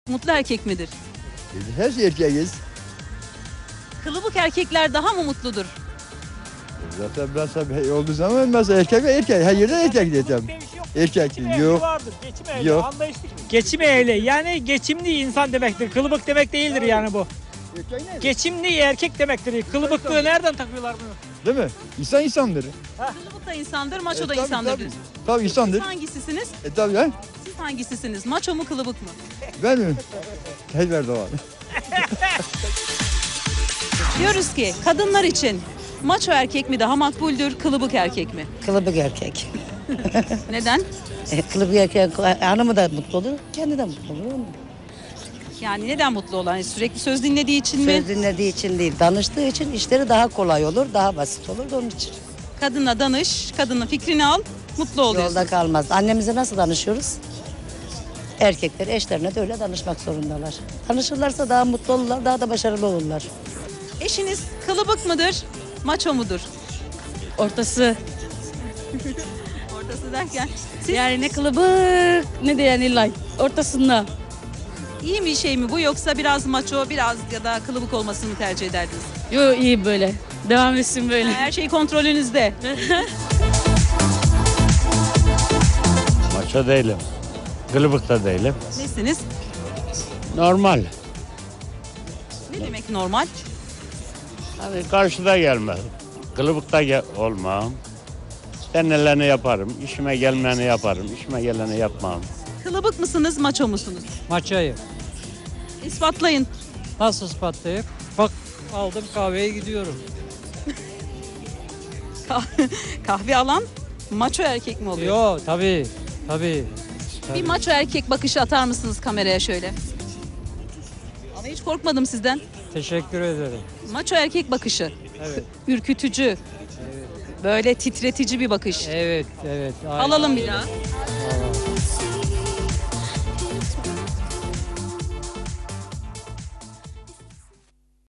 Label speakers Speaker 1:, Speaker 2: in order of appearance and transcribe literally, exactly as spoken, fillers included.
Speaker 1: Mutlu erkek midir?
Speaker 2: Her şey erkeğiz.
Speaker 1: Kılıbık erkekler daha mı mutludur?
Speaker 2: Zaten biraz tabii olduğu zaman mesela erkek ve erkek. Her yerde erkek diyeceğim. Erkek
Speaker 3: Geçim ehli
Speaker 2: yok.
Speaker 3: vardır. Geçim ehli,
Speaker 2: Yok.
Speaker 3: anlayışlı. Geçim ehli yani geçimli insan demektir. Kılıbık demek değildir yani bu.
Speaker 2: Erkek ne?
Speaker 3: Geçimli erkek demektir. Kılıbıklığı nereden takıyorlar bunu?
Speaker 2: Değil mi? İnsan insandır.
Speaker 1: Kılıbık da insandır, maço
Speaker 2: E,
Speaker 1: da
Speaker 2: tabii,
Speaker 1: insandır.
Speaker 2: tabii.
Speaker 1: diyorsun.
Speaker 2: Tabii
Speaker 1: Siz
Speaker 2: insandır.
Speaker 1: hangisisiniz?
Speaker 2: E tabii ha?
Speaker 1: Siz hangisisiniz? Maço mu kılıbık mı?
Speaker 2: Ben mi? Helver Doğan.
Speaker 1: Diyoruz ki kadınlar için maço erkek mi daha makbuldür, kılıbık erkek mi?
Speaker 4: Kılıbık erkek.
Speaker 1: Neden?
Speaker 4: E, Kılıbık erkek hanımı da mutlu olur, kendi de mutlu olur.
Speaker 1: Yani neden mutlu olan? Yani sürekli söz dinlediği için mi?
Speaker 4: Söz dinlediği için değil, danıştığı için işleri daha kolay olur, daha basit olur da onun için.
Speaker 1: Kadınla danış, kadının fikrini al, mutlu oluyorsun.
Speaker 4: Yolda kalmaz. Annemize nasıl danışıyoruz? Erkekler eşlerine de öyle danışmak zorundalar. Danışırlarsa daha mutlu olurlar, daha da başarılı olurlar.
Speaker 1: Eşiniz kılıbık mıdır, maço mudur?
Speaker 5: Ortası.
Speaker 1: Ortası derken siz
Speaker 5: Yani ne kılıbık ne de yani light. Ortasında.
Speaker 1: iyi bir şey mi bu yoksa biraz maço, biraz ya da kılıbık olmasını tercih ederdiniz?
Speaker 5: Yo iyi böyle. Devam etsin böyle.
Speaker 1: Her şey kontrolünüzde.
Speaker 6: Maço değilim. Kılıbık da değilim.
Speaker 1: Nesiniz?
Speaker 6: Normal.
Speaker 1: Ne demek normal?
Speaker 6: Hani karşıda gelmez. Kılıbıkta gel olmam. Ben neleri yaparım. İşime gelmeyeni yaparım. İşime geleni yapmam.
Speaker 1: Kılıbık mısınız, maço musunuz?
Speaker 7: Maçayı.
Speaker 1: İspatlayın.
Speaker 7: Nasıl ispatlayıp? Bak aldım kahveye gidiyorum.
Speaker 1: Kah- Kahve alan maço erkek mi oluyor?
Speaker 7: Yo tabii tabii.
Speaker 1: Bir
Speaker 7: tabii.
Speaker 1: maço erkek bakışı atar mısınız kameraya şöyle? Ama hiç korkmadım sizden.
Speaker 7: Teşekkür ederim.
Speaker 1: Maço erkek bakışı.
Speaker 7: Evet.
Speaker 1: Ürkütücü. Böyle titretici bir bakış.
Speaker 7: Evet evet. aynen.
Speaker 1: Alalım bir daha.
Speaker 7: Aa.